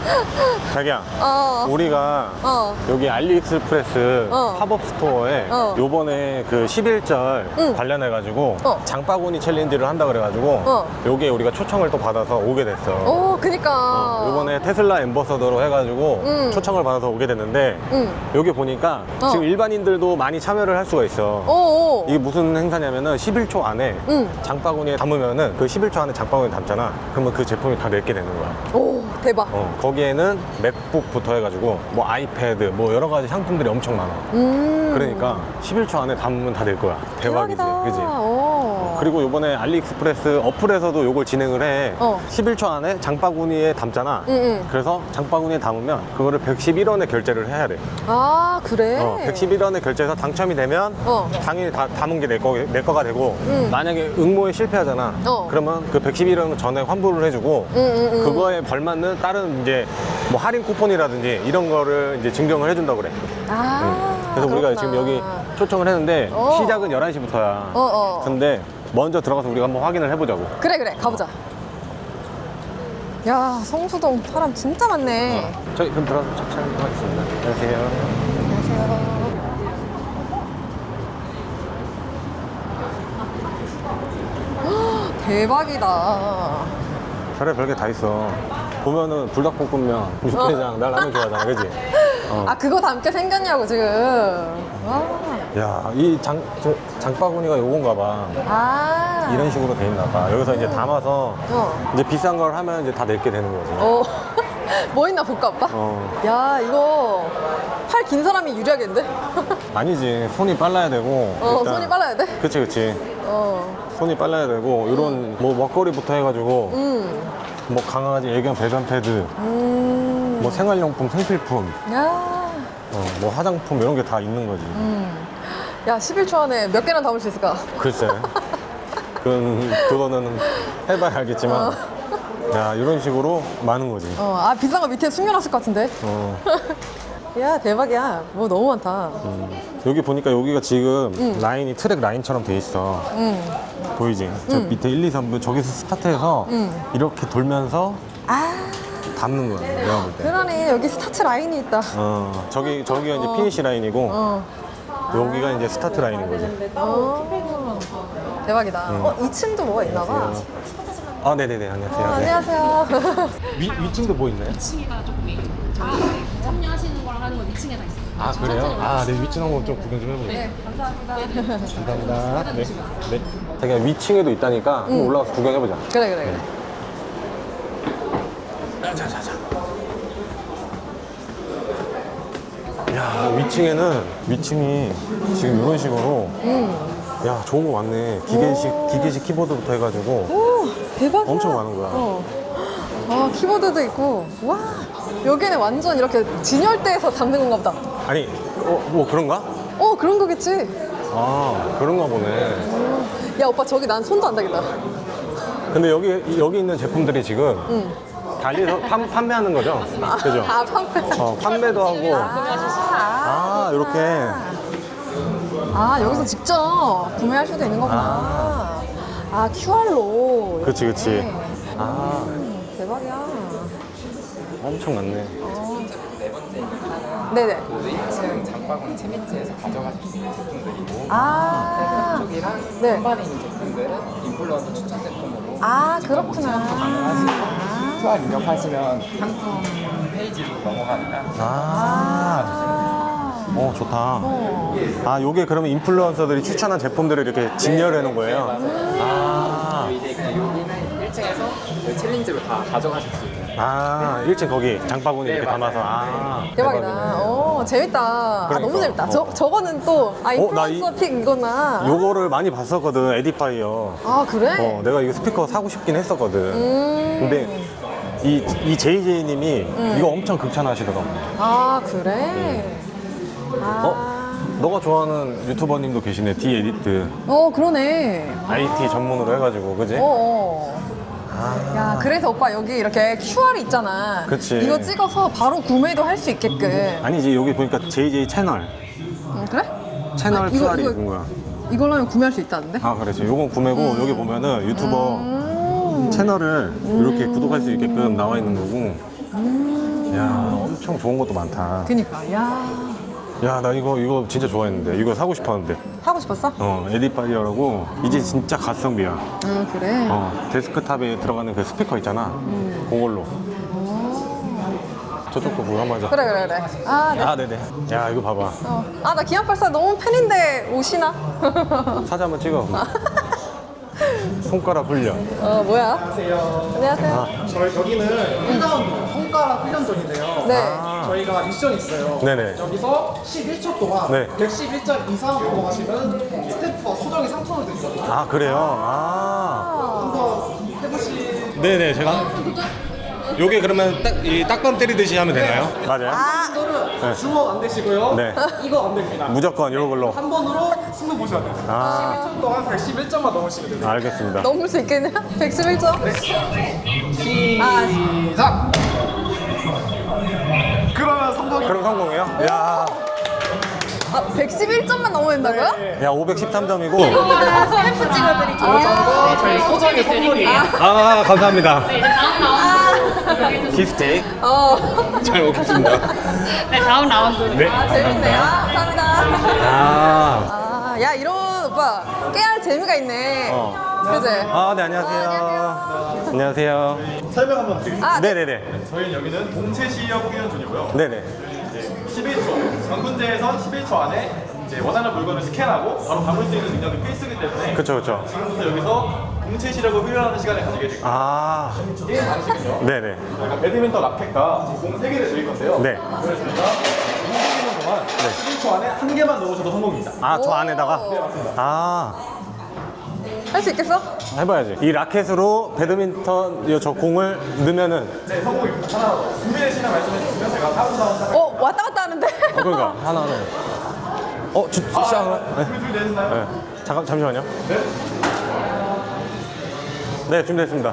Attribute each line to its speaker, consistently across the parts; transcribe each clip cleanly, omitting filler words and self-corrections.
Speaker 1: 자기야, 우리가 여기 알리익스프레스 팝업 스토어에 요번에 그 11절 관련해가지고 장바구니 챌린지를 한다 그래가지고 요게 우리가 초청을 또 받아서 오게 됐어.
Speaker 2: 오, 그니까.
Speaker 1: 요번에 테슬라 앰버서더로 해가지고 초청을 받아서 오게 됐는데 여기 보니까 지금 일반인들도 많이 참여를 할 수가 있어.
Speaker 2: 오.
Speaker 1: 이게 무슨 행사냐면은 11초 안에 장바구니에 담으면은 그 11초 안에 장바구니에 담잖아. 그러면 그 제품이 다 내게 되는 거야.
Speaker 2: 오, 대박.
Speaker 1: 거기에는 맥북부터 해가지고 뭐 아이패드 뭐 여러 가지 상품들이 엄청 많아. 그러니까 11초 안에 담으면 다 될 거야. 대박이지,
Speaker 2: 대박이다.
Speaker 1: 그지?
Speaker 2: 오.
Speaker 1: 그리고 요번에 알리익스프레스 어플에서도 요걸 진행을 해. 11초 안에 장바구니에 담잖아. 그래서 장바구니에 담으면 그거를 111원에 결제를 해야 돼.
Speaker 2: 아, 그래?
Speaker 1: 111원에 결제해서 당첨이 되면 당연히 다 담은 게 내 거가 되고 만약에 응모에 실패하잖아. 그러면 그 111원 전에 환불을 해주고 그거에 걸맞는 다른 이제 뭐 할인 쿠폰이라든지 이런 거를 이제 증정을 해준다고 그래. 그래서 우리가
Speaker 2: 그렇구나.
Speaker 1: 지금 여기 초청을 했는데 시작은 11시부터야. 근데 먼저 들어가서 우리가 한번 확인을 해보자고.
Speaker 2: 그래, 그래. 가보자. 야, 성수동 사람 진짜 많네.
Speaker 1: 저희 그럼 들어가서 촬영하겠습니다. 안녕하세요.
Speaker 2: 안녕하세요. 대박이다.
Speaker 1: 별에 별게 다 있어. 보면은 불닭볶음면, 육개장, 나 라면 좋아하잖아, 그지?
Speaker 2: 아, 그거 담게 생겼냐고, 지금. 와.
Speaker 1: 야, 이 장바구니가 요건가 봐.
Speaker 2: 아.
Speaker 1: 이런 식으로 돼 있나 봐. 여기서 이제 담아서 이제 비싼 걸 하면 이제 다 내게 되는 거지.
Speaker 2: 뭐 있나 볼까, 오빠? 야, 이거 팔 긴 사람이 유리하겠는데?
Speaker 1: 아니지. 손이 빨라야 되고. 일단
Speaker 2: 손이 빨라야 돼?
Speaker 1: 그치, 그치. 손이 빨라야 되고, 이런 뭐 먹거리부터 해가지고, 뭐 강아지 애견 배변 패드, 뭐 생활용품, 생필품,
Speaker 2: 야.
Speaker 1: 뭐 화장품 이런 게 다 있는 거지.
Speaker 2: 야, 11초 안에 몇 개나 담을 수 있을까?
Speaker 1: 글쎄. 그거는 해봐야 알겠지만. 야, 이런 식으로 많은 거지.
Speaker 2: 아, 비싼 거 밑에 숨겨놨을 것 같은데? 야, 대박이야. 뭐 너무 많다.
Speaker 1: 여기 보니까 여기가 지금 라인이 트랙 라인처럼 돼 있어. 보이지? 저 밑에 1, 2, 3부 저기서 스타트해서 이렇게 돌면서 담는 거야, 내가 볼 때.
Speaker 2: 그러네, 여기 스타트 라인이 있다.
Speaker 1: 저기가 이제 피니시 라인이고 여기가 이제 스타트 라인인 거지.
Speaker 2: 대박이다. 2층도 뭐가 있나 봐.
Speaker 1: 아, 네네네. 안녕하세요.
Speaker 2: 안녕하세요.
Speaker 1: 위층도 뭐 있나요?
Speaker 3: 2층이가 조금 저희 참여하시는 거랑 하는 건 2층에 다 있어요.
Speaker 1: 아, 그래요? 아, 네, 위층 한번 좀 구경 좀 해보세요.
Speaker 2: 네, 감사합니다.
Speaker 1: 감사합니다. 네. 네. 자기가 위층에도 있다니까 한번 올라가서 구경해보자.
Speaker 2: 그래, 그래.
Speaker 1: 자자자. 야, 위층이 지금 이런 식으로 야, 좋은 거 많네. 기계식 키보드부터 해가지고
Speaker 2: 오, 대박이야.
Speaker 1: 엄청 많은 거야.
Speaker 2: 아, 키보드도 있고. 와, 여기는 완전 이렇게 진열대에서 담는 건가 보다.
Speaker 1: 아니, 뭐 그런가?
Speaker 2: 그런 거겠지.
Speaker 1: 아, 그런가 보네.
Speaker 2: 야, 오빠 저기 난 손도 안 닿겠다.
Speaker 1: 근데 여기 있는 제품들이 지금 달리에서 판매하는 거죠? 그죠?
Speaker 2: 아, 판매.
Speaker 1: 판매도 하고. 이렇게.
Speaker 2: 아, 여기서 직접 구매할 수도 있는 거구나. QR로.
Speaker 1: 그치.
Speaker 2: 대박이야.
Speaker 1: 엄청 많네.
Speaker 2: 네네.
Speaker 4: 2층 장바구니 채미트에서 가져가실 수 있는 제품들이고 쪽이랑
Speaker 2: 네.
Speaker 4: 한반에 있는 제품들은 인플루언서 추천 제품으로
Speaker 2: 그렇구나.
Speaker 4: QR 입력하시면 상품 페이지로 넘어가니까
Speaker 1: 좋다. 요게 그러면 인플루언서들이 추천한 제품들을 이렇게 진열해 놓은 거예요?
Speaker 4: 이제 여기는 1층에서 챌린지로 다 가져가실 수 있는
Speaker 1: 1층 거기 장바구니 이렇게 담아서.
Speaker 2: 대박이다. 재밌다.
Speaker 1: 그러니까.
Speaker 2: 너무 재밌다. 저거는 또, 인플루언서 픽 이거나.
Speaker 1: 요거를 많이 봤었거든, 에디파이어.
Speaker 2: 그래?
Speaker 1: 내가 이거 스피커 사고 싶긴 했었거든. 근데 이 JJ님이 이거 엄청 극찬하시더라고.
Speaker 2: 그래?
Speaker 1: 너가 좋아하는 유튜버님도 계시네, 디에디트.
Speaker 2: 그러네.
Speaker 1: IT 전문으로 해가지고, 그지?
Speaker 2: 야, 그래서 오빠 여기 이렇게 QR이 있잖아.
Speaker 1: 그치.
Speaker 2: 이거 찍어서 바로 구매도 할 수 있게끔.
Speaker 1: 아니지, 여기 보니까 JJ 채널.
Speaker 2: 그래?
Speaker 1: 채널
Speaker 2: 이거-
Speaker 1: QR이
Speaker 2: 이거-
Speaker 1: 있는 거야.
Speaker 2: 이걸로 하면 구매할 수 있다는데?
Speaker 1: 그렇지. 요건 구매고, 여기 보면은 유튜버 채널을 이렇게 구독할 수 있게끔 나와 있는 거고. 좋은 것도 많다.
Speaker 2: 그니까, 야.
Speaker 1: 야, 나 이거 진짜 좋아했는데. 이거 사고 싶었는데.
Speaker 2: 하고 싶었어?
Speaker 1: 에디파이어라고 이제 진짜 가성비야.
Speaker 2: 그래.
Speaker 1: 데스크탑에 들어가는 그 스피커 있잖아. 그걸로. 저쪽도 그거 한번 하자.
Speaker 2: 그래. 아, 네.
Speaker 1: 아, 네네. 야, 이거 봐봐.
Speaker 2: 아, 나 기안84 너무 팬인데 오시나?
Speaker 1: 사진 한번 찍어. 손가락 훈련.
Speaker 2: 뭐야? 안녕하세요.
Speaker 4: 저희 여기는 1라운드 손가락 훈련전인데요.
Speaker 2: 네.
Speaker 4: 저희가 미션이 있어요.
Speaker 1: 네네.
Speaker 4: 여기서 11초 동안
Speaker 1: 네.
Speaker 4: 111점 이상 넘어가시면 스태프와 소정의 상품을 드리거든요.
Speaker 1: 아, 그래요? 아.
Speaker 4: 한번 해보시.
Speaker 1: 네네, 제가. 요게 그러면 딱밤 때리듯이 하면 되나요? 맞아요.
Speaker 4: 분들은 주먹 안 되시고요.
Speaker 1: 네.
Speaker 4: 이거 안 됩니다.
Speaker 1: 무조건 이런 걸로.
Speaker 4: 한 번으로 승부 보셔야 돼요.
Speaker 1: 아.
Speaker 4: 11초 동안 111점만 넘으시면 돼요.
Speaker 1: 알겠습니다.
Speaker 2: 넘을 수 있겠냐? 111점?
Speaker 4: 시작! 그러면 성공이
Speaker 1: 그럼 성공이에요? 야,
Speaker 2: 111점만 넘어야 된다고요?
Speaker 1: 야 513점이고.
Speaker 2: 스탬프 찍어드릴게요.
Speaker 4: 저희 소정의 선물이에요.
Speaker 1: 아, 감사합니다.
Speaker 3: 네, 이제 다음 라운드.
Speaker 1: 기프테이크. 잘 먹겠습니다.
Speaker 3: 네, 다음 라운드.
Speaker 1: 네.
Speaker 2: 재밌네요. 감사합니다.
Speaker 1: 아,
Speaker 2: 야, 이런 오빠 깨알 재미가 있네. 그지?
Speaker 1: 아, 네, 안녕하세요. 안녕하세요.
Speaker 5: 설명 한번 드리겠습니다.
Speaker 1: 네네네.
Speaker 5: 저희는 여기는 동체 시력 훈련존이고요.
Speaker 1: 네네.
Speaker 5: 11초, 전군제에선 11초 안에 이제 원하는 물건을 스캔하고 바로 담을 수 있는 능력이 필수이기 때문에
Speaker 1: 그쵸, 그쵸.
Speaker 5: 지금부터 여기서 동체 시력을 훈련하는 시간을 가지게 되고
Speaker 1: 아,
Speaker 5: 게임 방식은요.
Speaker 1: 네네.
Speaker 5: 저희가 배드민턴 라켓과 공 3개를 드릴 건데요.
Speaker 1: 네.
Speaker 5: 그래서 저희가 움직이는 동안 11초 안에 한 개만 넣으셔도 성공입니다.
Speaker 1: 아, 저 안에다가?
Speaker 5: 네, 맞습니다.
Speaker 1: 아,
Speaker 2: 할 수 있겠어?
Speaker 1: 해봐야지. 이 라켓으로 배드민턴 저 공을 넣으면은.
Speaker 5: 네, 성공입니다. 하나 더. 준비되시면 말씀해 주시면 제가 카운트다운
Speaker 2: 왔다 갔다 하는데?
Speaker 1: 그러니까 하나는. 시작을. 네.
Speaker 5: 준비되셨나요?
Speaker 1: 네. 잠시만요.
Speaker 5: 네.
Speaker 1: 네, 준비됐습니다.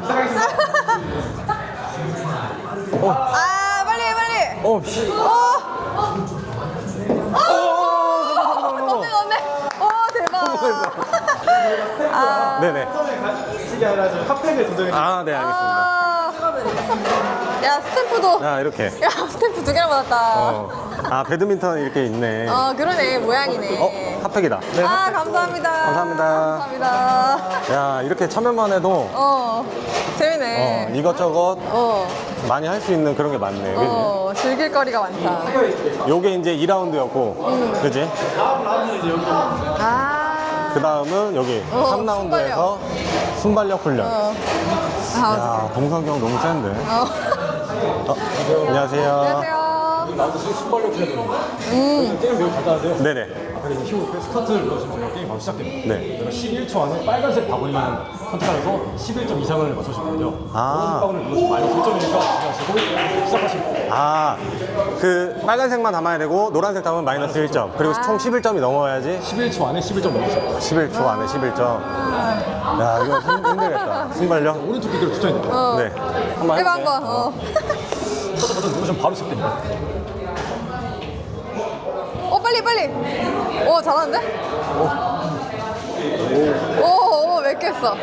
Speaker 2: 아, 빨리.
Speaker 1: 씨.
Speaker 2: 넣네. 대박.
Speaker 1: 네네.
Speaker 5: 처음에 가시게 아니라 지금 핫팩을 조정해 주세요.
Speaker 1: 아, 네, 알겠습니다.
Speaker 2: 야, 스탬프도.
Speaker 1: 자, 이렇게.
Speaker 2: 야, 스탬프 2개나 받았다.
Speaker 1: 아, 배드민턴 이렇게 있네.
Speaker 2: 그러네. 모양이네.
Speaker 1: 핫팩이다. 네.
Speaker 2: 아, 감사합니다.
Speaker 1: 감사합니다.
Speaker 2: 감사합니다.
Speaker 1: 야, 이렇게 참여만 해도
Speaker 2: 재밌네.
Speaker 1: 이것저것 많이 할 수 있는 그런 게 많네. 그지?
Speaker 2: 즐길 거리가 많다.
Speaker 1: 요게 이제 2라운드였고, 그지?
Speaker 2: 아.
Speaker 1: 그 다음은 여기 3라운드에서 순발력 훈련. 야, 동석이 형 너무 센데. 안녕하세요.
Speaker 2: 안녕하세요.
Speaker 6: 나도 순발력 훈련입니다. 게임 매우 간단한데요.
Speaker 1: 네네.
Speaker 6: 그래서 힘을 스타트를 눌러주면 저희가 게임 바로 시작됩니다.
Speaker 1: 네.
Speaker 6: 그러면 11초 안에 빨간색 바구니만 선택하면서 11점 이상을 맞춰주거든요.
Speaker 1: 아.
Speaker 6: 노란색 바구니를 눌러서 마이너스 1점이니까 주시하시고 시작하시면 돼요.
Speaker 1: 아, 그 빨간색만 담아야 되고, 노란색 담으면 마이너스 1점. 그리고 총 11점이 넘어야지.
Speaker 6: 11초 안에 11점 넣으세요.
Speaker 1: 11초 안에 11점. 야, 이거 힘들겠다. 순발력?
Speaker 6: 오른쪽 기계로 추천해드릴게요.
Speaker 1: 네. 한번
Speaker 2: 해봐,
Speaker 1: 해볼게요.
Speaker 2: 한번.
Speaker 6: 스타트 버튼 누르시면 바로 시작됩니다.
Speaker 2: 빨리. 잘하는데? 몇 개 했어?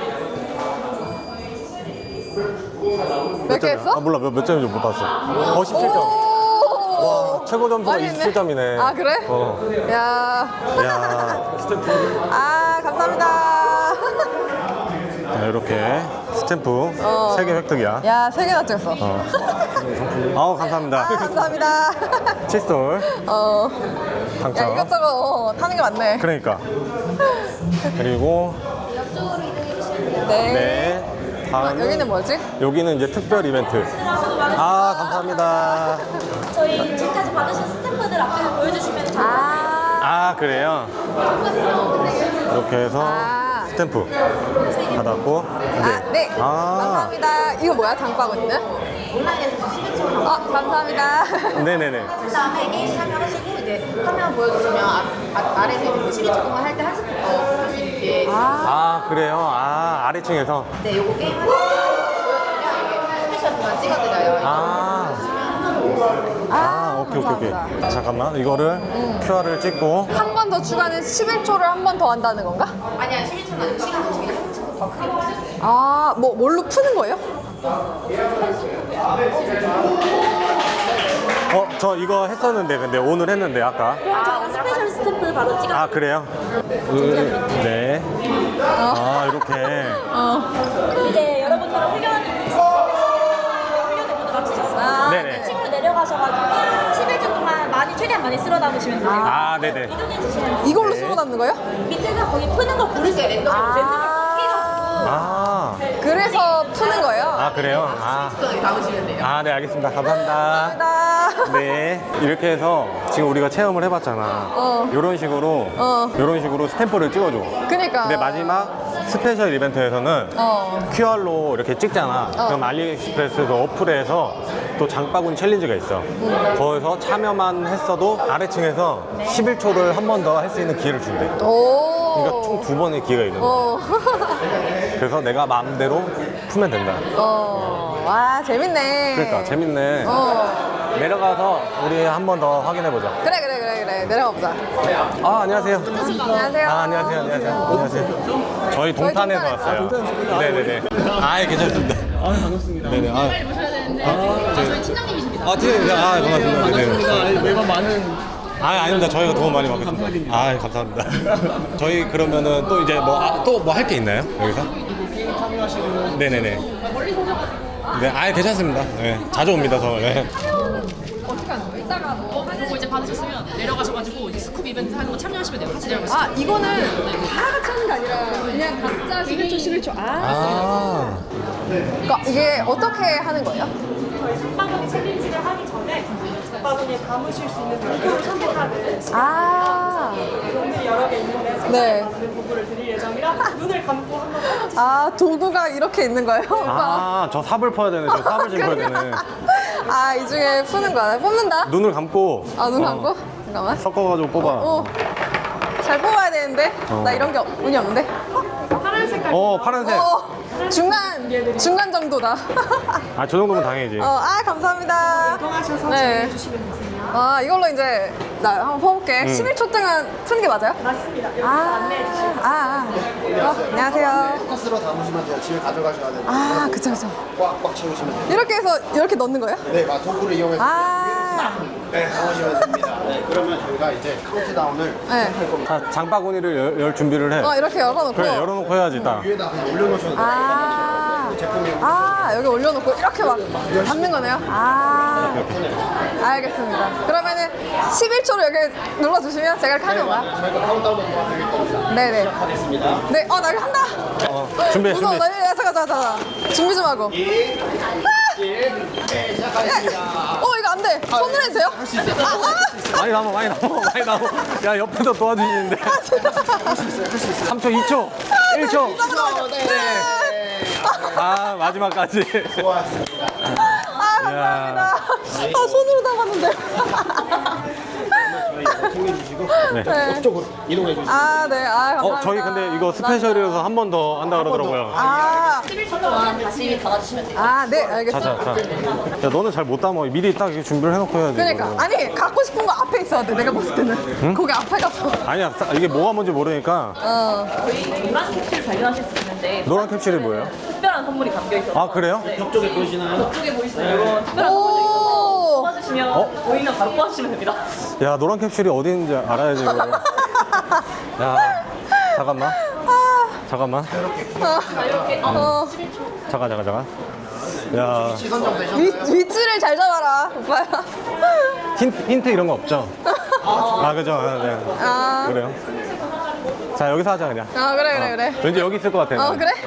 Speaker 2: 몇 개 했어?
Speaker 1: 아, 몰라. 몇 점인지 못 봤어. 17점. 와, 최고 점수가
Speaker 2: 많이 했네.
Speaker 1: 27점이네.
Speaker 2: 아, 그래?
Speaker 1: 야.
Speaker 2: 감사합니다.
Speaker 1: 자, 이렇게 스탬프 3개 획득이야.
Speaker 2: 야, 3개나 찍었어.
Speaker 1: 감사합니다.
Speaker 2: 감사합니다.
Speaker 1: 칫솔
Speaker 2: 야,
Speaker 1: 당첨.
Speaker 2: 이것저것 타는 게 많네.
Speaker 1: 그러니까. 그리고
Speaker 2: 네.
Speaker 1: 네. 다음
Speaker 2: 여기는 뭐지?
Speaker 1: 여기는 이제 특별 이벤트. 아, 감사합니다.
Speaker 7: 저희 지금까지 받으신 스탬프들 앞에서 보여주시면 돼요.
Speaker 1: 아, 그래요? 이렇게 해서 스탬프 받았고.
Speaker 2: 네.
Speaker 1: 아.
Speaker 2: 감사합니다. 이거 뭐야, 장바구니는?
Speaker 7: 온라인에서 11초
Speaker 1: 네네네.
Speaker 7: 그 다음에 게임 참여하시고 이제 화면 보여주시면 아래에서 이제 11초 동안 할 때 한 스푼 더 볼수 있게.
Speaker 1: 아, 그래요? 아, 아래층에서.
Speaker 7: 네, 요거 게임 하실 때 보여주면 이게 스페셜 동안 찍어드려요.
Speaker 1: 오케이. 잠깐만. 이거를 QR을 찍고.
Speaker 2: 한 번 더 추가는 11초를 한 번 더 한다는 건가?
Speaker 7: 아니야, 11초는 아니고 시간 없이 한 스푼 더 크게 볼수 있어요.
Speaker 2: 뭘로 푸는 거예요?
Speaker 1: 저 이거 했었는데 근데 오늘 했는데 아까.
Speaker 8: 저는 스페셜 스탬프 바로 찍어.
Speaker 1: 아 그래요? 네. 아 이렇게.
Speaker 8: 이제 여러분들은 훈련을 마치셨어요.
Speaker 1: 네네.
Speaker 8: 층으로 내려가셔가지고 11주 동안 최대한 많이 쓸어 담으시면 돼요.
Speaker 1: 아 네네.
Speaker 8: 이동해 주시면 돼요.
Speaker 2: 이걸로 쓰고 남는 거예요?
Speaker 8: 밑에서 거기 푸는 거 고르세요. 랜덤으로
Speaker 1: 아.
Speaker 2: 그래서 푸는 거예요?
Speaker 1: 아 그래요? 아.
Speaker 7: 남으시면 돼요.
Speaker 1: 아, 네, 알겠습니다. 감사합니다.
Speaker 2: 감사합니다.
Speaker 1: 네. 이렇게 해서 지금 우리가 체험을 해봤잖아. 이런 식으로, 이런 식으로 스탬프를 찍어줘.
Speaker 2: 그니까.
Speaker 1: 근데 마지막 스페셜 이벤트에서는 QR로 이렇게 찍잖아. 그럼 알리익스프레스 그 어플에서 또 장바구니 챌린지가 있어. 거기서 참여만 했어도 아래층에서 11초를 한 번 더 할 수 있는 기회를 준대.
Speaker 2: 오.
Speaker 1: 그러니까 총 2번의 기회가 있는 거야. 그래서 내가 마음대로 풀면 된다.
Speaker 2: 와, 재밌네.
Speaker 1: 그러니까 재밌네. 내려가서 우리 한 번 더 확인해 보자.
Speaker 2: 그래. 내려가 보자.
Speaker 1: 아 안녕하세요.
Speaker 2: 안녕하세요.
Speaker 1: 아 안녕하세요. 안녕하세요. 저희 동탄에서 왔어요. 네네네. 아 괜찮습니다.
Speaker 6: 아 반갑습니다.
Speaker 1: 네네. 아,
Speaker 3: 빨리 모셔야 되는데 저희 팀장님이십니다.
Speaker 1: 팀장님. 아 반갑습니다. 네네.
Speaker 6: 매번 많은
Speaker 1: 아 아닙니다. 저희가 도움 많이 받겠습니다. 아 감사합니다. 저희 그러면은 또 이제 또 뭐 할 게 있나요 여기서?
Speaker 6: 게임 참여하시고
Speaker 1: 네네네. 네, 아 괜찮습니다. 네, 자주 옵니다 저. 네.
Speaker 3: 어떻게 하는 거예요? 이따가 그거 이제 받으셨으면 내려가셔가지고 이제 스쿱 이벤트 하는 거 참여하시면 돼요. 같이 내려가시죠.
Speaker 2: 아, 이거는 다 같이 하는 게 아니라 그냥 각자 11초.
Speaker 1: 아.
Speaker 2: 그러니까 이게 어떻게 하는 거예요?
Speaker 8: 저희 장바구니 챌린지를 하기 전에 장바구니에 담으실 수 있는 도구를 선택하는
Speaker 2: 아.
Speaker 8: 종들이 여러 개 있는데
Speaker 2: 네.
Speaker 8: 선택하는 도구를 드릴 예정이라 눈을 감고 한번 해보세요.
Speaker 2: 아, 도구가 이렇게 있는 거예요? 오빠?
Speaker 1: 아, 저 삽을 퍼야 되네. 저 삽을 짚어야 되네.
Speaker 2: 아, 이 중에 푸는 거야. 뽑는다?
Speaker 1: 눈을 감고.
Speaker 2: 아, 눈 감고? 잠깐만.
Speaker 1: 섞어가지고 뽑아.
Speaker 2: 오. 잘 뽑아야 되는데? 나 이런 게 운이 없는데?
Speaker 8: 파란 색깔
Speaker 1: 파란색.
Speaker 2: 중간 정도다.
Speaker 1: 아, 저 정도면 당연히지.
Speaker 2: 아, 감사합니다.
Speaker 8: 이동하셔서
Speaker 2: 네.
Speaker 8: 정해주시면 되세요.
Speaker 2: 아, 이걸로 이제 나 한번 퍼볼게. 11초 동안 푸는 게 맞아요?
Speaker 8: 맞습니다. 여기서 안내해 주시면
Speaker 2: 안녕하세요.
Speaker 9: 포커스로 담으시면 돼요. 집에 가져가셔야 되는데
Speaker 2: 아, 그쵸.
Speaker 9: 꽉꽉 채우시면 돼요.
Speaker 2: 이렇게 해서 이렇게 넣는 거예요?
Speaker 9: 네, 도구를 이용해서
Speaker 2: 아,
Speaker 9: 담으시면 됩니다. 네, 그러면 저희가 이제 카운트다운을
Speaker 2: 네.
Speaker 1: 자, 장바구니를 열 준비를 해.
Speaker 2: 이렇게 열어놓고.
Speaker 1: 그래, 열어놓고 해야지, 딱.
Speaker 9: 위에다 그냥 올려놓으셔도 돼요.
Speaker 2: 여기 올려놓고 이렇게 막 담는 거네요? 알겠습니다. 그러면은 11초로 여기 눌러주시면 제가 이렇게 하는 거야?
Speaker 9: 저희가 카운트다운을 도와드릴 겁니다.
Speaker 2: 네네.
Speaker 9: 시작하겠습니다.
Speaker 2: 네, 나 이거 한다!
Speaker 1: 준비해,
Speaker 2: 무서워,
Speaker 1: 준비.
Speaker 2: 잠깐. 준비 좀 하고.
Speaker 9: 네, 시작하겠습니다.
Speaker 2: 이거 안 돼. 손으로 해도 돼요? 할수 있어요.
Speaker 1: 많이 남아. 야, 옆에서 도와주시는데. 3초, 2초, 1초. 아, 마지막까지.
Speaker 9: 수고하셨습니다.
Speaker 2: 감사합니다. 손으로 담았는데.
Speaker 9: 챙겨주시고
Speaker 2: 네.
Speaker 9: 이쪽으로 이동해 주시고.
Speaker 2: 네. 감사합니다.
Speaker 1: 저희 근데 이거 스페셜이라서 한 번 더 한다 그러더라고요.
Speaker 8: 11초 동안 다시 담아주시면 돼요.
Speaker 2: 네, 알겠습니다.
Speaker 1: 자. 야, 너는 잘 못 담아. 미리 딱 이렇게 준비를 해놓고 해야지.
Speaker 2: 그러니까.
Speaker 1: 이거를.
Speaker 2: 아니, 갖고 싶은 거 앞에 있어야 돼. 내가 봤을 때는. 거기 앞에 가서.
Speaker 1: 아니야, 이게 뭐가 뭔지 모르니까.
Speaker 8: 저희 노란 캡슐 발견하실 수 있는데
Speaker 1: 노란 캡슐이 뭐예요?
Speaker 8: 특별한 선물이 담겨 있어서
Speaker 1: 아, 그래요?
Speaker 8: 쪽에 보이시나요? 이쪽에 보이시나요? 이거 특별한 선물도 있어서 뽑아주시면 보이면 바로 뽑아주시면 됩니다.
Speaker 1: 야, 노란 캡슐이 어디 있는지 알아야지, 이거를. 야, 잠깐만.
Speaker 8: 이렇게
Speaker 1: 잠깐. 야,
Speaker 9: 시선 좀 되셨나요?
Speaker 2: 위치를 잘 잡아라, 오빠야.
Speaker 1: 힌트 이런 거 없죠? 그죠? 네. 그래요. 자, 여기서 하자, 그냥.
Speaker 2: 그래.
Speaker 1: 왠지 여기 있을 것 같아.
Speaker 2: 그래?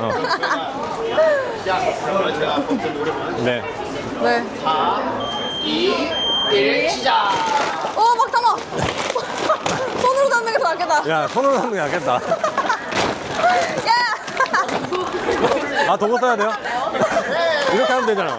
Speaker 9: 그러면 제가 버튼 누르면
Speaker 1: 네.
Speaker 2: 네.
Speaker 9: 2, 1 시작.
Speaker 2: 막 담아. 손으로 담는 게 더 낫겠다.
Speaker 1: 야, 손으로 하는 게 낫겠다.
Speaker 2: 야!
Speaker 1: 도구 써야 돼요? 이렇게 하면 되잖아.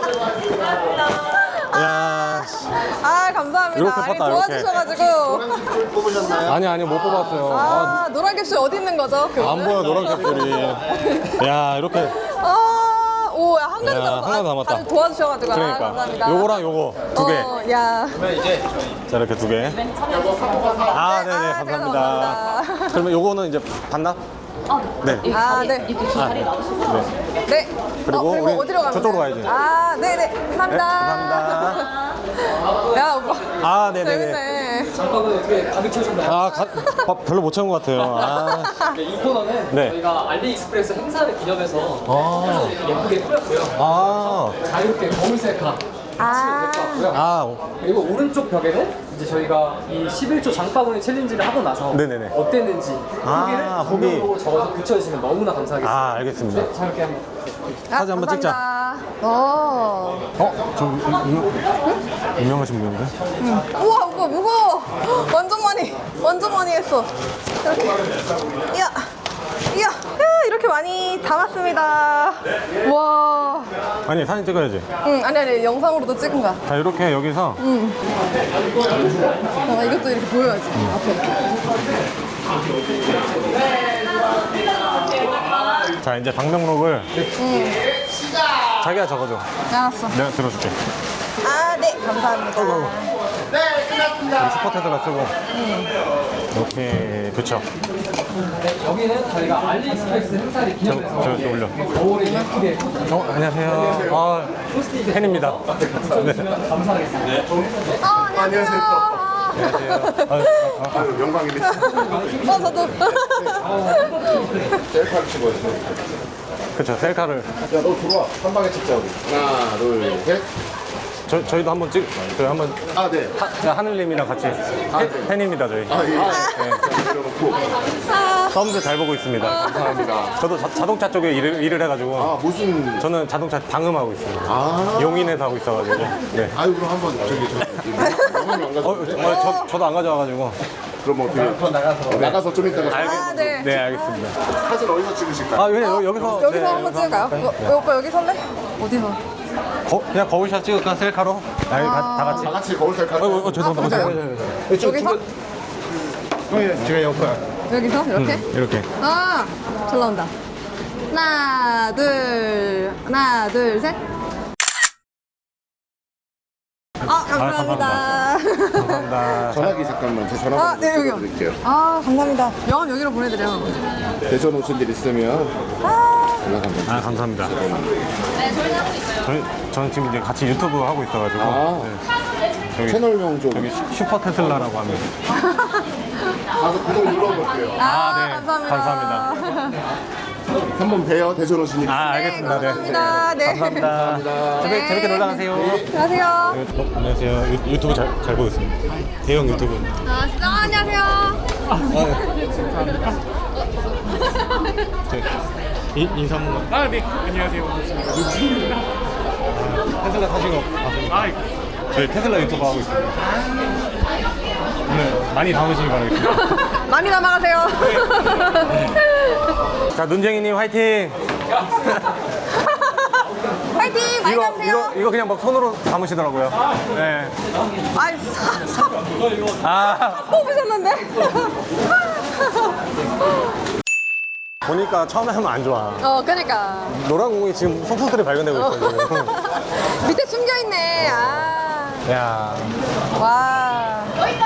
Speaker 1: 야,
Speaker 2: 감사합니다.
Speaker 1: 이렇게 봤다,
Speaker 2: 도와주셔가지고.
Speaker 9: 뽑으셨나요?
Speaker 1: 아니, 못 뽑았어요.
Speaker 2: 노란 캡슐 어디 있는 거죠?
Speaker 1: 안 보여, 노란 캡슐이. 야, 이렇게.
Speaker 2: 야, 한가득
Speaker 1: 야, 한가득 담았다.
Speaker 2: 다들 도와주셔가지고.
Speaker 1: 그러니까.
Speaker 2: 감사합니다.
Speaker 1: 요거랑 요거 두 개.
Speaker 2: 야.
Speaker 9: 그러면 이제
Speaker 1: 자, 이렇게 두 개. 네네, 감사합니다.
Speaker 2: 감사합니다.
Speaker 1: 그러면 요거는 이제 반납? 네.
Speaker 2: 네. 네.
Speaker 1: 그리고
Speaker 2: 그리고
Speaker 1: 우리
Speaker 2: 어디로 가면
Speaker 1: 저쪽으로
Speaker 2: 돼요?
Speaker 1: 가야지.
Speaker 2: 네네. 감사합니다.
Speaker 1: 네, 감사합니다.
Speaker 2: 야, 오빠
Speaker 1: 아, 네네네.
Speaker 2: 재밌네.
Speaker 6: 장바구니 어떻게 가득 채우셨나요?
Speaker 1: 아, 별로 못 채운 것 같아요. 아,
Speaker 6: 이 코너는
Speaker 1: 네.
Speaker 6: 저희가 알리익스프레스 행사를 기념해서
Speaker 1: 아.
Speaker 6: 이렇게 예쁘게 뿌렸고요.
Speaker 1: 아,
Speaker 6: 자유롭게 검은색 가
Speaker 2: 아.
Speaker 6: 같고요.
Speaker 1: 아,
Speaker 6: 그리고 오른쪽 벽에는 이제 저희가 이 11초 장바구니 챌린지를 하고 나서
Speaker 1: 네네네.
Speaker 6: 어땠는지
Speaker 1: 아,
Speaker 6: 후기를
Speaker 1: 후기.
Speaker 6: 보고 적어서 붙여주시면 너무나 감사하겠습니다.
Speaker 1: 아, 알겠습니다.
Speaker 6: 네, 자유롭게 한번.
Speaker 1: 사진 한번 찍자. 저 유명하신 분인데?
Speaker 2: 우와, 오빠 무거워. 완전 많이 했어. 이렇게. 이야, 이야, 이렇게 많이 담았습니다. 와.
Speaker 1: 아니, 사진 찍어야지.
Speaker 2: 응, 아니, 영상으로도 찍은 거야.
Speaker 1: 자, 이렇게 여기서
Speaker 2: 이것도 이렇게 보여야지. 앞에.
Speaker 1: 자, 이제 방명록을 자기가 적어줘.
Speaker 2: 알았어.
Speaker 1: 내가 들어줄게.
Speaker 2: 아, 네, 감사합니다.
Speaker 1: 슈퍼 테슬라 쓰고 이렇게 붙여.
Speaker 6: 여기는 저희가 알리익스프레스 행사를 기념해서
Speaker 1: 저 올려.
Speaker 6: 거울에 예쁘게
Speaker 1: 안녕하세요. 아, 팬입니다. 네.
Speaker 6: 감사하겠습니다.
Speaker 2: 안녕하세요.
Speaker 9: 영광입니다.
Speaker 2: 저도.
Speaker 9: 셀카를 찍어야 돼.
Speaker 1: 그쵸, 셀카를.
Speaker 9: 야, 너 들어와. 한 방에 찍자, 우리. 하나, 둘, 셋.
Speaker 1: 저희도 한번 저희 한번
Speaker 9: 아, 네.
Speaker 1: 하늘님이랑 같이 팬입니다, 저희.
Speaker 9: 아, 예. 네. 내려놓고.
Speaker 1: 썸도 잘 보고 있습니다.
Speaker 9: 감사합니다.
Speaker 1: 저도 자동차 쪽에 일을 해가지고
Speaker 9: 아, 무슨.
Speaker 1: 저는 자동차 방음하고 있습니다.
Speaker 9: 아.
Speaker 1: 용인에서 하고 있어가지고. 네.
Speaker 9: 아유, 그럼 한번 영상이 안 가져.
Speaker 1: 저도 안 가져와가지고.
Speaker 9: 그럼 어떻게. 나가서 좀 이따가.
Speaker 2: 아, 네.
Speaker 1: 네, 알겠습니다.
Speaker 9: 사진 어디서 찍으실까요?
Speaker 1: 아, 왜 여기서?
Speaker 2: 여기서
Speaker 1: 네,
Speaker 2: 한번 찍을까요? 오빠 여기 설래? 어디서?
Speaker 1: 그냥 거울샷 찍을까, 셀카로? 아니, 다 같이.
Speaker 9: 다 같이 거울 셀카.
Speaker 1: 죄송합니다.
Speaker 2: 여기서?
Speaker 1: 제가 옆에.
Speaker 2: 여기서? 이렇게?
Speaker 1: 이렇게.
Speaker 2: 아, 잘 나온다. 하나, 둘, 셋. 아, 감사합니다.
Speaker 1: 감사합니다.
Speaker 9: 전화기 잠깐만. 제
Speaker 2: 아,
Speaker 9: 전화번호
Speaker 2: 네, 여기요.
Speaker 9: 드릴게요.
Speaker 2: 아, 감사합니다. 명함 여기로 보내드려.
Speaker 9: 대전 오신 일 있으면
Speaker 2: 아,
Speaker 9: 연락합니다.
Speaker 1: 아, 감사합니다. 네, 저희는 하고 있어요. 저는 지금 이제 같이 유튜브 하고 있어가지고.
Speaker 9: 아.
Speaker 1: 네. 저기,
Speaker 9: 채널명 좀.
Speaker 1: 여기 슈퍼 테슬라라고 합니다.
Speaker 9: 가서 구독 눌러볼게요.
Speaker 1: 네.
Speaker 2: 감사합니다.
Speaker 1: 감사합니다.
Speaker 9: 한번 봬요. 대전 오신 일 있으면.
Speaker 1: 아, 알겠습니다.
Speaker 2: 감사합니다. 네.
Speaker 1: 감사합니다. 재밌게 놀러 가세요.
Speaker 2: 안녕하세요.
Speaker 1: 안녕하세요. 유튜브 잘 보고 있습니다. 대형 유튜브.
Speaker 2: 아, 진짜 안녕하세요.
Speaker 1: 인사 한 번만.
Speaker 5: 아, 네. 안녕하세요.
Speaker 1: 테슬라 타신 거 봤습니다. 저희 테슬라 유튜브 하고 있습니다. 오늘 많이 담으시기 바라겠습니다.
Speaker 2: 많이 남아가세요.
Speaker 1: 자, 눈쟁이님 화이팅!
Speaker 2: 파이팅! 많이 남으세요.
Speaker 1: 이거 그냥 막 손으로 담으시더라고요. 네.
Speaker 2: 아이,
Speaker 1: 아,
Speaker 2: 뽑으셨는데?
Speaker 1: 보니까 처음에 하면 안 좋아.
Speaker 2: 그니까.
Speaker 1: 노란 공이 지금 속속들이 발견되고 있어요. 지금.
Speaker 2: 밑에 숨겨있네. 아.
Speaker 1: 야.
Speaker 2: 와.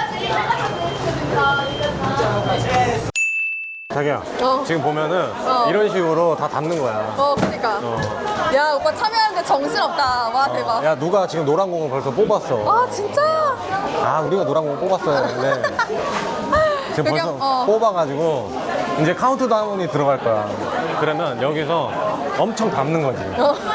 Speaker 1: 자기야,
Speaker 2: 어.
Speaker 1: 지금 보면은 이런 식으로 다 담는 거야.
Speaker 2: 그니까. 야, 오빠 참여하는데 정신없다. 와, 대박.
Speaker 1: 야, 누가 지금 노란 공을 벌써 뽑았어.
Speaker 2: 아, 진짜?
Speaker 1: 아, 우리가 노란 공 뽑았어야 했는데. 지금
Speaker 2: 여기,
Speaker 1: 벌써 뽑아가지고 이제 카운트다운이 들어갈 거야. 그러면 여기서 엄청 담는 거지.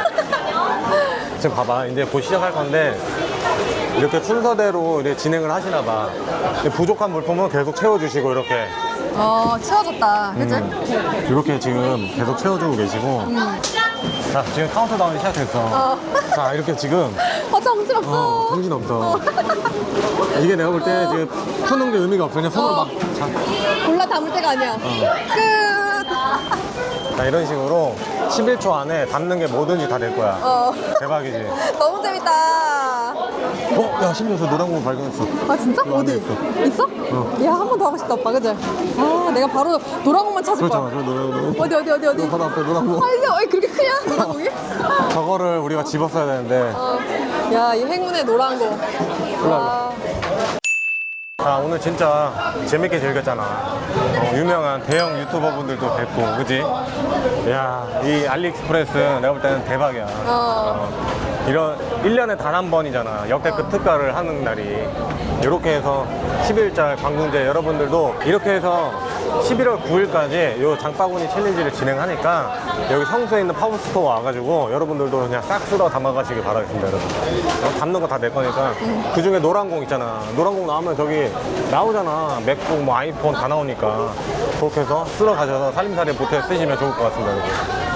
Speaker 1: 지금 봐봐, 이제 곧 시작할 건데 이렇게 순서대로 이렇게 진행을 하시나 봐. 부족한 물품은 계속 채워주시고 이렇게.
Speaker 2: 채워줬다. 그치?
Speaker 1: 이렇게 지금 계속 채워주고 계시고. 자, 지금 카운트다운이 시작됐어. 자, 이렇게 지금
Speaker 2: 정신없어.
Speaker 1: 정신없어. 이게 내가 볼 때 지금 푸는 게 의미가 없어. 그냥 손으로 막.
Speaker 2: 골라 담을 때가 아니야. 끝.
Speaker 1: 자, 이런 식으로 11초 안에 담는 게 뭐든지 다 될 거야. 대박이지.
Speaker 2: 너무 재밌다.
Speaker 1: 야, 심지어 저 노란 공 발견했어.
Speaker 2: 아, 진짜?
Speaker 1: 이거 안에
Speaker 2: 어디? 있어? 야, 한 번 더 하고 싶다, 오빠. 그치? 아, 내가 바로 노란공만 찾을 거야.
Speaker 1: 그렇잖아, 저 노란 공.
Speaker 2: 어디?
Speaker 1: 바로 앞에 노란 공.
Speaker 2: 아, 이게 왜 그렇게 크냐? 노란공이?
Speaker 1: 저거를 우리가 집었어야 되는데.
Speaker 2: 야, 이 행운의 노란공. 와.
Speaker 1: 자, 오늘 진짜 재밌게 즐겼잖아. 유명한 대형 유튜버 분들도 뵙고, 그지? 야, 이 알리익스프레스 내가 볼 때는 대박이야. 이런 1년에 단 한 번이잖아. 역대급 특가를 하는 날이. 이렇게 해서 10일짜 관공제 여러분들도 이렇게 해서 11월 9일까지 요 장바구니 챌린지를 진행하니까 여기 성수에 있는 파워스토어 와가지고 여러분들도 그냥 싹 쓸어 담아가시길 바라겠습니다, 여러분. 담는 거 다 내 거니까. 그 중에 노란 공 있잖아. 노란 공 나오면 저기 나오잖아. 맥북, 뭐 아이폰 다 나오니까. 그렇게 해서 쓸어 가셔서 살림살이 보태 쓰시면 좋을 것 같습니다, 여러분.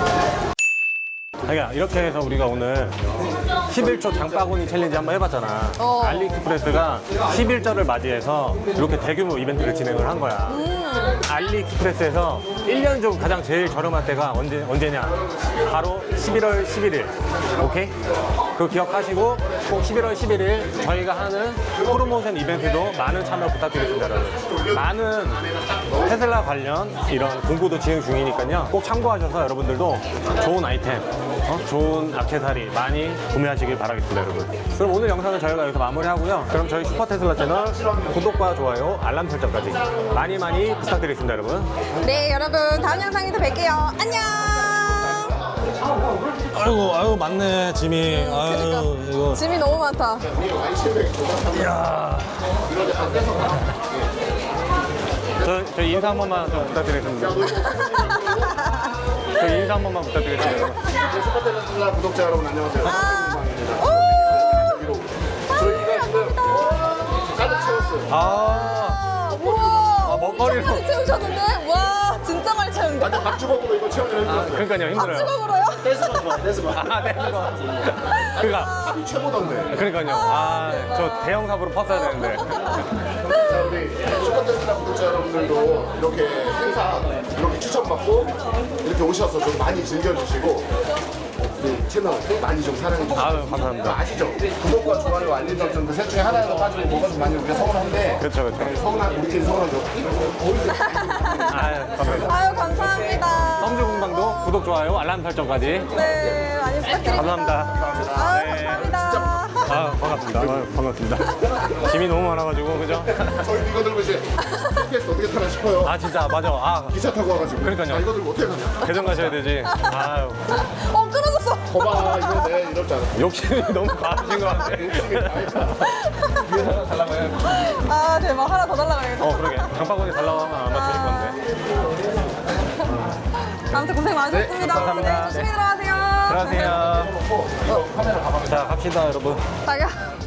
Speaker 1: 자기야, 이렇게 해서 우리가 오늘 11초 장바구니 챌린지 한번 해봤잖아. 알리익스프레스가 11절을 맞이해서 이렇게 대규모 이벤트를 진행을 한 거야. 알리익스프레스에서 1년 중 가장 제일 저렴할 때가 언제냐? 바로 11월 11일. 오케이? 그거 기억하시고 꼭 11월 11일 저희가 하는 프로모션 이벤트도 많은 참여 부탁드리겠습니다, 여러분. 많은 테슬라 관련 이런 공부도 진행 중이니까요. 꼭 참고하셔서 여러분들도 좋은 아이템, 좋은 액세서리 많이 구매하시길 바라겠습니다, 여러분. 그럼 오늘 영상은 저희가 여기서 마무리하고요. 그럼 저희 슈퍼테슬라 채널 구독과 좋아요, 알람 설정까지 많이 많이 부탁드리겠습니다, 여러분.
Speaker 2: 네, 여러분 다음 영상에서 뵐게요. 안녕.
Speaker 1: 아유, 맞네, 짐이. 아유, 이거.
Speaker 2: 짐이 너무 많다.
Speaker 1: 이야. 저 인사 한 번만 좀 부탁드리겠습니다. 저 인사 한 번만 부탁드리겠습니다.
Speaker 9: 슈퍼테슬라 구독자 여러분 안녕하세요. 저희가 지금 가득 채웠어요.
Speaker 2: 우와.
Speaker 1: 먹거리로.
Speaker 2: 많이 채우셨는데? 와, 진짜 많이 채운데?
Speaker 9: 완전 밥주걱으로 이거 채우는 힘들었어요.
Speaker 1: 그러니까요, 힘들어요.
Speaker 2: 찍어보러요?
Speaker 9: 댄스만 좋아, 댄스만.
Speaker 1: 네, 그니까.
Speaker 9: 합이 최고던데.
Speaker 1: 그러니까요. 저 대형 삽으로 팠어야 되는데.
Speaker 9: 자, 우리 슈퍼테슬라 구독자 여러분들도 이렇게 행사 이렇게 추천받고 이렇게 오셔서 좀 많이 즐겨주시고 우리 채널 많이 좀 사랑해주시고.
Speaker 1: 아유, 감사합니다.
Speaker 9: 아시죠? 구독과 좋아요, 알림 설정 그 셋 중에 하나라도 빠지고 뭐가 좀 많이 우리가 서운한데.
Speaker 1: 그렇죠, 그렇죠.
Speaker 9: 서운한 우리끼리 서운하죠.
Speaker 1: 아유, 감사합니다.
Speaker 2: 아유, 감사합니다.
Speaker 1: 썸즈 공방도 구독, 좋아요, 알람 설정까지.
Speaker 2: 네, 많이 부탁드립니다.
Speaker 1: 감사합니다.
Speaker 2: 아유,
Speaker 1: 네.
Speaker 2: 감사합니다.
Speaker 1: 반갑습니다. 반갑습니다. 짐이 너무 많아가지고, 그죠?
Speaker 9: 저희 이거 들고 이제 GPS 어떻게 타나 싶어요.
Speaker 1: 아, 진짜, 맞아.
Speaker 9: 기차 타고 와가지고.
Speaker 1: 그러니까요.
Speaker 9: 아, 이거 들고 어떻게 가냐.
Speaker 1: 대전 가셔야 되지. 아유.
Speaker 2: 끊어졌어.
Speaker 9: 거봐, 이거 내 이럴 줄 알았어.
Speaker 1: 욕심이 너무 많으신 것 같아.
Speaker 2: 아, 대박. 하나 더 달라가야겠다.
Speaker 1: 그러게. 장바구니 달라고 하면 아마 주실 건데.
Speaker 2: 아무튼 고생 많으셨습니다.
Speaker 1: 감사합니다.
Speaker 2: 네, 조심히 들어가세요.
Speaker 1: 들어가세요. 자, 갑시다, 여러분.
Speaker 2: 자기야.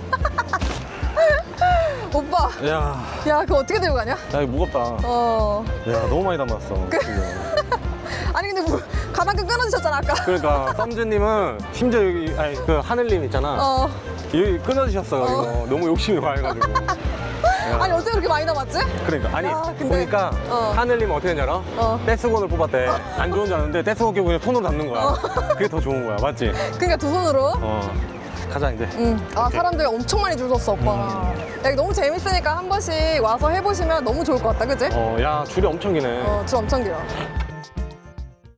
Speaker 2: 오빠.
Speaker 1: 야,
Speaker 2: 야, 그거 어떻게 들고 가냐?
Speaker 1: 이거 무겁다. 야, 너무 많이 담았어.
Speaker 2: 아니, 근데 가방 끊어주셨잖아, 아까.
Speaker 1: 그러니까 썸즈님은 심지어 여기 그 하늘님 있잖아. 여기 끊어주셨어요. 이거 너무 욕심이 많아가지고.
Speaker 2: 아니, 어떻게 그렇게 많이 담았지?
Speaker 1: 그러니까 아니
Speaker 2: 근데-
Speaker 1: 보니까 하늘님 어떻게 했냐 알아?
Speaker 2: 어.
Speaker 1: 떼수건을 뽑았대. 안 좋은 줄 알았는데 떼수건 끼고 그냥 손으로 담는 거야. 그게 더 좋은 거야, 맞지?
Speaker 2: 그러니까 두 손으로.
Speaker 1: 가자 이제.
Speaker 2: 아, 사람들이 엄청 많이 줄 섰어, 오빠. 야, 이거 너무 재밌으니까 한 번씩 와서 해보시면 너무 좋을 것 같다, 그치?
Speaker 1: 야, 줄이 엄청 기네.
Speaker 2: 줄 엄청 길어.